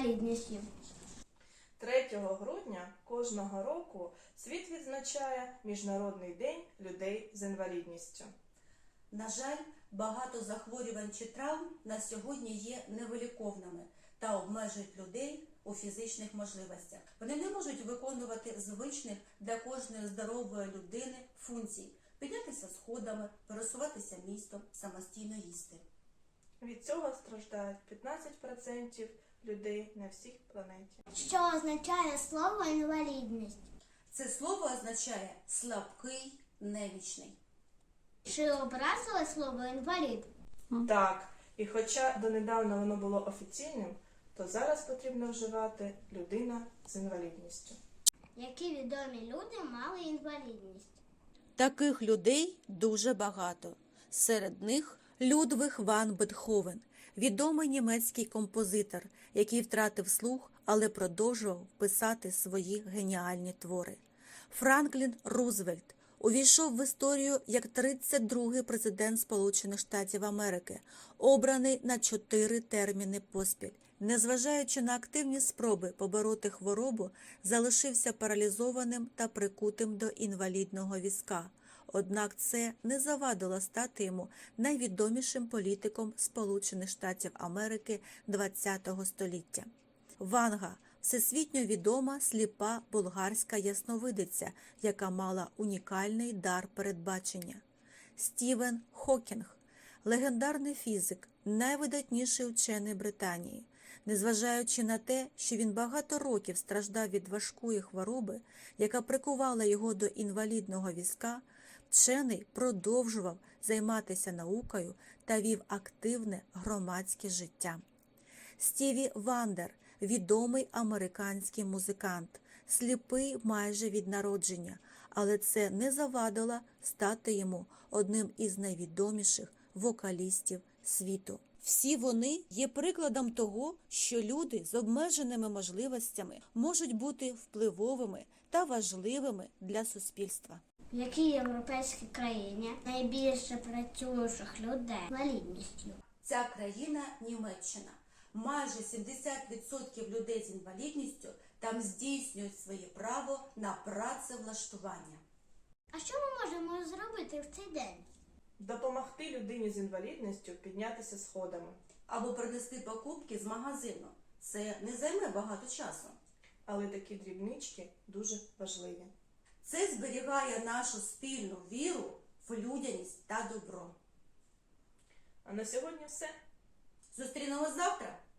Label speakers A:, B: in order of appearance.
A: інвалідністю.
B: 3 грудня кожного року світ відзначає Міжнародний день людей з інвалідністю.
C: На жаль, багато захворювань чи травм на сьогодні є невиліковними та обмежують людей у фізичних можливостях. Вони не можуть виконувати звичних для кожної здорової людини функцій – піднятися сходами, пересуватися містом, самостійно їсти.
B: Від цього страждають 15% людей на всій планеті.
A: Що означає слово інвалідність?
C: Це слово означає «слабкий, немічний».
A: Чи образили слово інвалід?
B: Так, і хоча донедавна воно було офіційним, то зараз потрібно вживати людина з інвалідністю.
A: Які відомі люди мали інвалідність?
D: Таких людей дуже багато. Серед них Людвиг ван Бетховен, відомий німецький композитор, який втратив слух, але продовжував писати свої геніальні твори. Франклін Рузвельт увійшов в історію як 32-й президент Сполучених Штатів Америки, обраний на 4 терміни поспіль. Незважаючи на активні спроби побороти хворобу, залишився паралізованим та прикутим до інвалідного візка. Однак це не завадило стати йому найвідомішим політиком Сполучених Штатів Америки ХХ століття. Ванга – всесвітньо відома сліпа болгарська ясновидиця, яка мала унікальний дар передбачення. Стівен Хокінг – легендарний фізик, найвидатніший учений Британії. Незважаючи на те, що він багато років страждав від важкої хвороби, яка прикувала його до інвалідного візка, вчений продовжував займатися наукою та вів активне громадське життя. Стіві Вандер – відомий американський музикант, сліпий майже від народження, але це не завадило стати йому одним із найвідоміших вокалістів світу. Всі вони є прикладом того, що люди з обмеженими можливостями можуть бути впливовими та важливими для суспільства.
A: В якій європейській країні найбільше працюючих людей з інвалідністю?
C: Ця країна – Німеччина. Майже 70% людей з інвалідністю там здійснюють своє право на працевлаштування.
A: А що ми можемо зробити в цей день?
B: Допомогти людині з інвалідністю піднятися сходами.
C: Або принести покупки з магазину. Це не займе багато часу.
B: Але такі дрібнички дуже важливі.
C: Це зберігає нашу спільну віру в людяність та добро.
B: А на сьогодні все.
C: Зустрінемось завтра!